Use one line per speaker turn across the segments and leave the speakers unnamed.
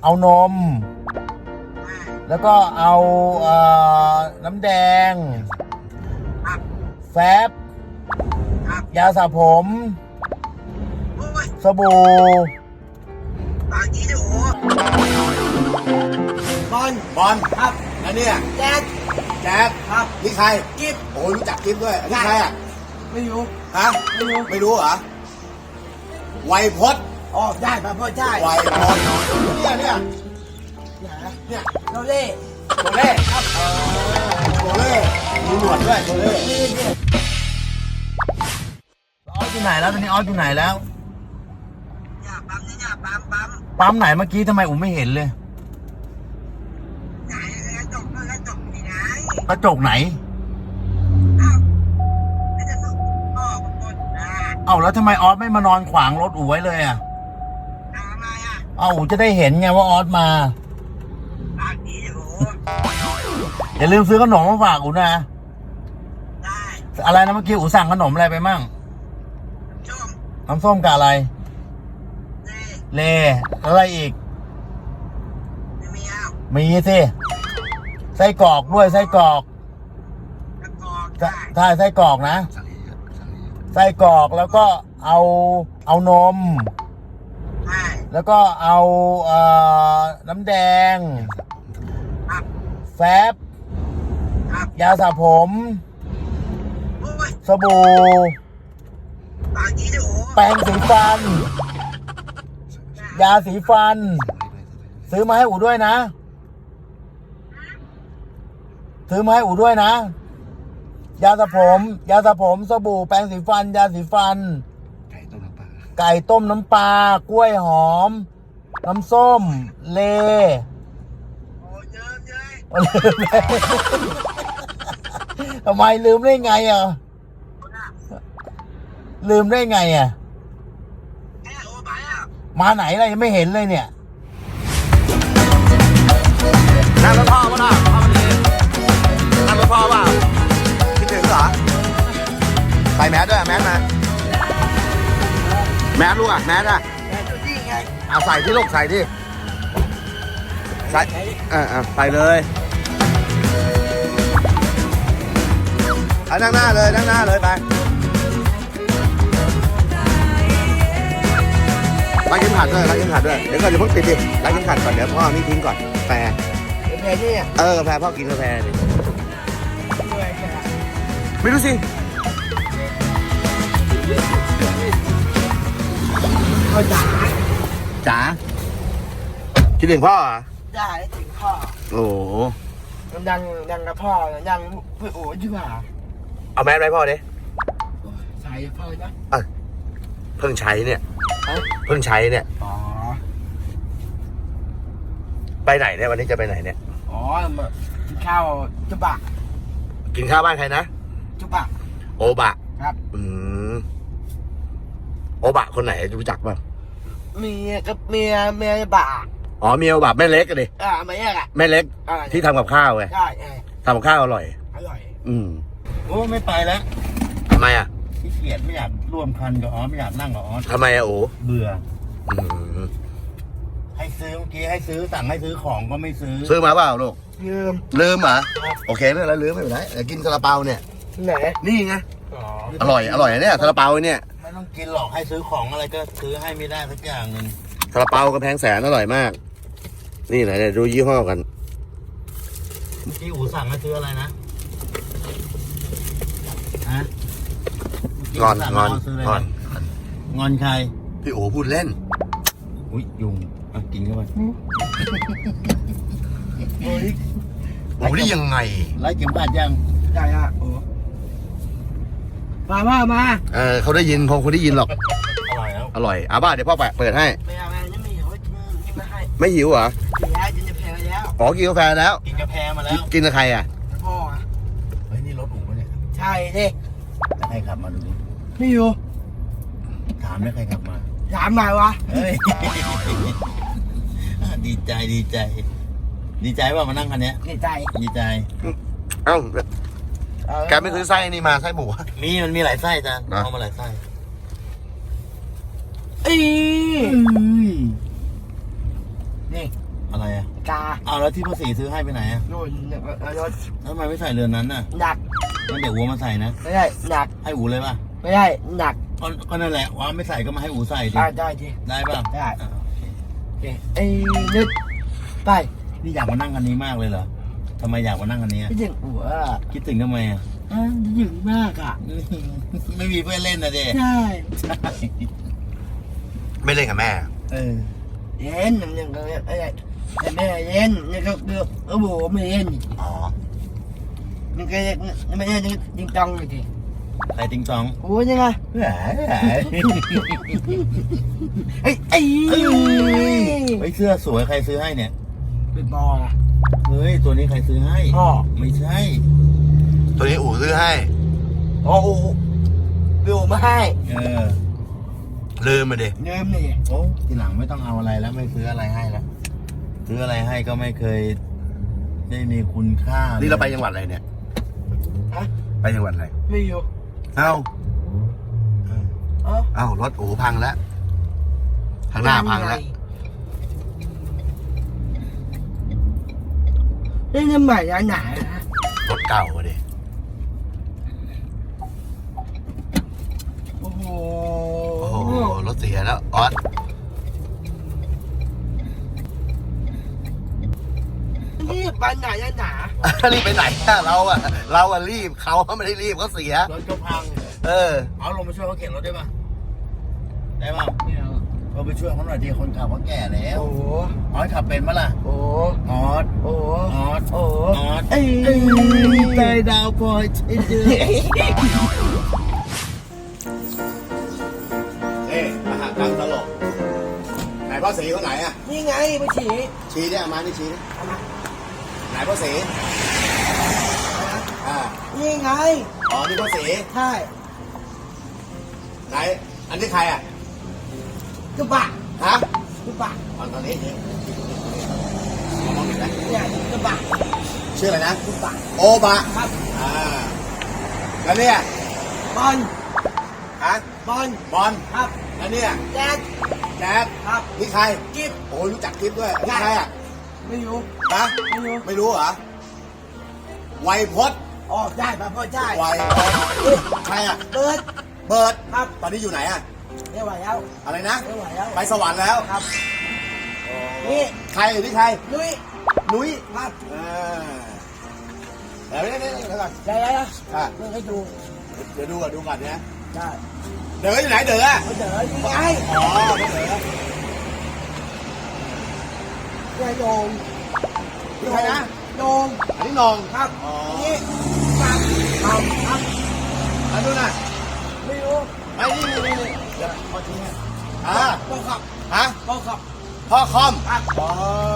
เอานม แล้วก็เอาน้ำแดง แฟบ ยาสระผม สบู่
บอล
บอล
ครับ
แล้วเนี่ย
แจ๊ด
แจ๊ค
ครับ
นี่ใคร
กิ๊บ
โอ้ยรู้จักกิ๊บด้วยนี่ใครอ่ะ
ไม่รู้
ฮะ
ไม่รู้
ไม่รู้เหรอไวยพจน์
อ๋อได้ป่ะพ่อได้
ไวยพจน์เนี่ย
เนี่ยเราเล่
โชเล่ครับโชเล่มีหนวดด้วยโชเล่
นี่เนี่ย
ออสอยู่ไหนแล้วตอนนี้ออสอยู่ไหนแล้ว
อย่าปั๊มนี่อย่าปั๊ม
ปั๊มไหนเมื่อกี้ทำไมอุ้มไม่เห็นเลย
ไหนกระจกนี่ไง
กระจกไหน
อ้าวไม่จะสุกพ่อกับคนนะ
เอ้าแล้วทำไมออสไม่มานอนขวางรถอู๋ไว้เลยอ่ะ
ทำไมอ่ะ
เอ้าอู๋จะได้เห็นไงว่าออสมา
ปากดีโอ้
อย่าลืมซื้อขนมมาฝากอู๋นะ
ได้
อะไรนะเมื่อกี้อู๋สั่งขนมอะไรไปมั่ง
ชม
น้ำส้มกับอะไร
เล่
เลแล้วอะไรอีก
ไม่มีอ้าว
มีสิไส้กรอกด้วยไส้กรอก
กระกอกได้
ใช่ไส้กรอกนะไส้กรอกแล้วก็เอานม
ได้
แล้วก็เอาน้ำแดง
ครับ
แฟบ
ครับ
ยาสระผม
โอ้ย
สบู่
ปากดีโอ้
แปรงสีฟัน ยาสีฟัน ซื้อมาให้อู๋ด้วยนะ ซื้อมาให้อู๋ด้วยนะ ยาสระผม สบู่แปรงสีฟัน ยาสีฟัน ไก่ต้มน้ำปลากล้วยหอม น้ำส้ม เล
โอ้เยอะเยอะ
ลืมเลยทำไมลืมได้ไงอ่ะ ลืมได้ไงอ่ะ
แค่โอ้ไปอ่ะ
มาไหนล่ะยังไม่เห็นเลยเนี่ย
นั่งรถพ่อป่ะน่ะพ่อมาดีนั่งรถพ่อป่ะคิดถึงเหรอใส่แมสด้วยแมสมาแมสลูกอ่ะแมสอ่ะ
แค่ตัวนี้ไง
เอาใส่ที่ลูกใส่ที่ใส่ใส่เลยเอานั่งหน้าเลยไปรัดเข็มขัดด้วยเดี๋ยวก่อนอย่าเพิ่งติดดิรัดเข็มขัดก่อนเดี๋ยวพ่อนี่ทิ้งก่อนกาแฟ
แค่นี้อ่ะ
กาแฟพ่อกินกาแฟดิ
ด้วยแค่
ไม่รู้สิ
เขาด่า
จ๋าคิดถึงพ่อเหรอ
ด่าได้ถึงพ่อ
โอ้โห
มันดังกับพ่อยังเพื่อโอ้ดีกว่า
เอาแมสไว้พ่อดิ
ใส่พ่อนะ
เพิ่งใช้เนี่ย
เอ้า
เพิ่งใช้เนี่ย
อ๋อ
ไปไหนเนี่ยวันนี้จะไปไหนเนี่ย
อ๋อมากินข้าวจุบะ
กินข้าวบ้านใครนะ
จุบะ
โอบะ
ครับ
โอบะคนไหนรู้จักป่ะ
เมียกับเมียบะ
อ๋อเมียโอบะแม่เล็กกันดิ
ไม่แยกอ่ะ
แม่เล็กที่ทำกับข้าวไง
ใช่
ทำกับข้าวอร่อย
อร่อย
โอ้ไม่ไปแล้ว
ทำไมอ่ะ
ขี้เกียจไม่อยากร่วมคันกับออสไม่อยากนั่งกับออส
ทำไมอ่ะโอ
เบื่อ
อืม
ให้ซื้อเมื่อกี้ให้ซื้อสั่งให้ซื้อของก็ไม่ซื้อ
ซื้อมาเปล่าลูก
ยืม
ลืมเหรอโอเคไม่เป็นไรลืมไม่เป็นไรเดี๋ยวกินซาลาเปาเนี่ย
ไหน
นี่ไง
อ๋อ
อร่อยเนี่ยซาลาเปาเนี่ย
ไม่ต้องกินหรอกให้ซื้อของอะไรก็ซื้อให้ไม่ได้สักอย่างหนึ่ง
ซาลาเปากระแพงแสนอร่อยมาก นี่ไหนเนี่ยดูยี่ห้อกัน
เมื่อกี้อูสั่งให้ซื้ออะไรนะฮะเมื่
งอน
สั่
งอน
ให้ซื้ะไรง
อน
งอนใคร
พี่โอพูดเล่น
อุ้ยยุงอ่ะกินเข้าไป
โอ้ย
โอ้ได้ยังไง
ไล่เข็มขัดยัง
ได้อ่ะโอ้มา
เขาได้ยินคงได้ยินหรอก
อร่อยแล้ว
อร่อยอ่ะบ้าเดี๋ยวพ่อเปิดให้
ไม่เอายังไม่หิวกินมาให้
ไม่หิวเหรอ
กินแล้วกินจะแพ้แล้ว
อ๋อกินกาแฟแล้ว
กินกาแฟมาแล้ว
กินกับใครอ่ะ
พ่ออ่ะ
เฮ้ยนี่รถอู๋ปะเนี่ย
ใช่ดิ
ใครขับมาดูดิ
ไม่อยู่
ถามได้ใครขับมา
ถามหน่อยวะ
เฮ้ย ดีใจดีใจว่ามานั่งคันเนี้ย
นี่ใจ
ดีใจ
เอ้าแกไม่ซื้อไส้นี่มาไส้หมู
มันมีหลายไส้จ้ะ
นะ
เอามาหลายไส้
อี
นี่อะไรอ่ะ
กา
เอาแล้วที่พ่อสีซื้อให้ไปไหนอ่ะ
โน่นรถ
แล้วทำไมไม่ใส่เรือนนั้นน่ะ
หนัก
งั้นเดี๋ยวอูมาใส่นะ
ไม่ได้หนัก
ให้อูเลยป่ะ
ไม่ได้หนัก
ก็นั่นแหละว่าไม่ใส่ก็มาให้อูใส่ดิ
ได้ที
ได้ป่ะ
ได้
อ่ะ
โอเคไอ้นึกไป
นี่อยากมานั่งคันนี้มากเลยเหรอทำไมอยากมานั่งคันนี้อะ
พี่ถึงหัว
คิดถึงทำไมอ่ะ
หยึงมากอ่ะ
ไม่มีเพื่อนเล่นนะเด็
ใช่
ไม่เล่นกับแม่
เออ
เย็นยังก็อะไรแต่แม่เย็นนี่ก็คือโอ้โหไม่เย็น
อ๋อ
นี่ก็ไม่เย็นจริงจังเลยที
ใครติงตอง
โอ้ยยังไง
แหม
ไอ้ไอ้
เฮ้ยเสื้อสวยใครซื้อให้เนี่ย
เป็นบอล
เฮ้ยตัวนี้ใครซื้อให้
พ่อ
ไม่ใช่
ตัวนี้อู๋ซื้อให้
โอ้โหวิวมาให้
ลืมมาดิ
เงิมนี่
โอ้ทีหลังไม่ต้องเอาอะไรแล้วไม่ซื้ออะไรให้แล้วซื้ออะไรให้ก็ไม่เคยได้มีคุณค่า
นี่เราไปจังหวัดอะไรเนี่ย
ฮะ
ไปจังหวัดอะไร
ไม่อยู่
เอ้า
อ๋อ
เอ้ารถอู๋พังแล้วข้างหน้าพังแล้ว
นี่น้ำใหม่ร้านไหนนะ
รถเก่าอะดิ
โอ้โห
โอ้โหรถเสียแล้วออส
นี่ไปไหนร้านหนา
รีบไปไหนอะเราอะรีบเขาไม่ได้รีบเขาเสีย
รถก็พัง
เออ
เอาลงมาช่วยเขาเข็นรถได้ปะได้ปะ
ไม่เอา
เราไปช่วยเขาหน่อยดีคนขับเขาแก่แล้ว
โอ้โห
ออสขับเป็นปะล่ะ
โอ้โห
ออส
โอ้โห
ออส
โอ้โห
ออส
เอ้ย
ใจดาวพลอยใช่เดือ
เอ๊ะมหากรรมตลกไหนพ่อสีคนไหนอะ
นี่ไงไปฉี่
ชี้เนี่ยมาที่ชี้ดิไหนพ่อสีอ่า
นี่ไง
อ๋อนี่พ่อสี
ใช่
ไหนอันนี้ใครอะ
กระบะ
ฮะ
กระบะ
ตอนนี้นี่มองเห็นไหม
เนี่ยกระบะ
ชื่ออะไรนะ
กระบะ
โอบะ
ครับ
อ่าแล้วเนี่ย
บอล
ฮะ
บอล
บอล
ครับ
แล้วเนี่ย
แจ๊ด
แจ๊ด
ครับ
นี่ใคร
กิ๊บ
โอ้รู้จักกิ๊บด้วยนี่ใครอ่ะ
ไม่รู้
ฮะ
ไม่รู้
ไม่รู้เหรอไวยพจน์
อ๋อได้ป่ะพ่อได้
ไวยใครอ่ะ
เบิร์ด
เบิร์ด
ครับ
ตอนนี้อยู่ไหนอ่ะ
ไม่ไหวแล้ว
อะไรนะ
ไม่ไหวแล้ว
ไปสวรรค์แล้ว
ครับนี่
ใครอยู่ที่ใคร
ลุย
นุ้ย
ครับ
เดี๋ยวนี่เดี๋ยวก่อน
ได้แล้วนะ
อ่ะ
เพื่อให้ดู
เดี๋ยวดูก่อนนะ
ได้
เดี๋ยวอยู่ไหนเดี๋ยวอ่ะ
เขาเจอนี่ไง
อ๋อเดี๋ยว
เนี่ยโยง
นี่ใครนะ
โยง
อันนี้นอง
ครับ
อ๋อ
นี่ปังปังครับ
อันนู้นน่ะ
ไม่รู้
ไอ้นี่เดี๋ยวพอทิ้งให้อ่า
ต้องขับ
ฮะ
ต้องขับ
พ่อคอม
ครับ
อ๋อ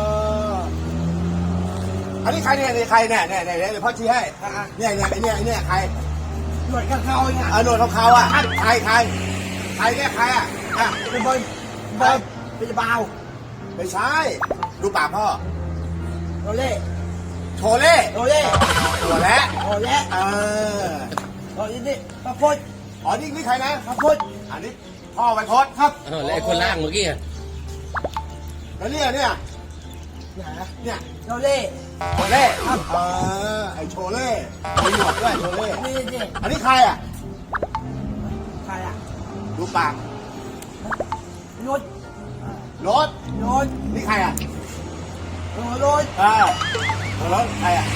อันนี้ใครเนี่ยใครเนี่ยเดี๋ยวพ่อชี้ให้
อ่ะ
เนี่ยไอ้เนี่ยใคร
หน่วยกับเขาเนี่ย
หนวดขาวๆอ่ะใครเนี่ยใครอ่ะอ่ะ
เป็นบอลเป็นบาว
ไม่ใช่ ดูปากพ่อ
โรเล่
โชเล่
โรเล่
ตัวแล้ว
โรเล่
เออ
นี่พระพุทธ
อ๋อนี่ใครนะ
พระพุทธ
อันนี้พ่อไวโพสครับ
แล้วไอ้คนล่างเมื่อกี้
แล้วเนี่ย
ไหน
เนี่ย
โรเล่
โชเล่ครับไอโชเล่มีหนวดด้วยโชเล่
นี่
อันนี้ใครอ่ะ
ใครอ่ะ
ดูปาก
รถ
รถ
รถ
นี่ใครอ่ะ
รถ
รถใครอ่ะ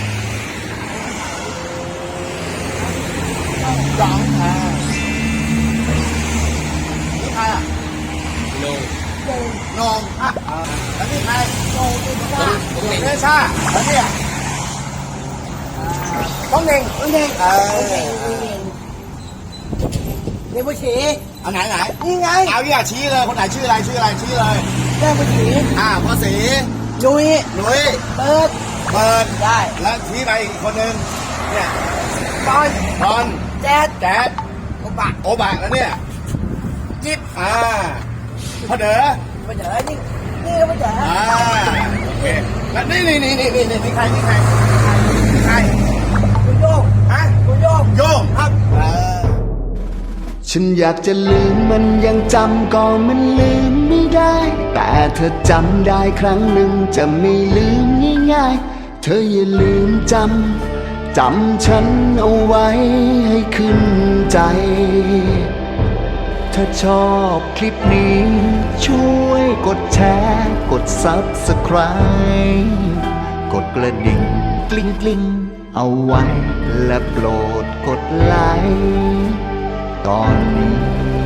สองนี่ใครอ่ะ
โน
โยง
นองแล้วนี่ใคร
โยงเป็นบ้า
เนชาแล้วเนี่ยต้องเน่ง
โอเคนี่ผู้ชี
อันไหน
นี่ไง
เอาเนี่ยชี้เลยคนไหนชื่ออะไรชี้เลย
แม่ผู้ชี
พ่อสี
ลุย
หนุ่ย
เปิด
เบิร์ด
ได้
แล้วชี้ไปอีกคนนึงเนี่ย
บอล
บอล
แจ๊ด
แจ๊ด
กระบะ
โอบะแล้วเนี่ย
จิ๊บ
พ่อเด๋อ
มาเจอนี่ก็มาเจอ
โอเคแล้วนี่ใครใคร
คุณโยง
ฮะ
คุณโยง
โยง
ครับ
ช
ฉันอยากจะลืมมันยังจำก็มันลืมไม่ได้ แต่เธอจำได้ครั้งหนึ่งจะไม่ลืมง่ายๆเธออย่าลืมจำฉันเอาไว้ให้ขึ้นใจ ถ้าชอบคลิปนี้ช่วยกดแชร์กด Subscribe กดกระดิ่งกลิ้งๆเอาไว้และโปรดกดไลค์ตอนนี้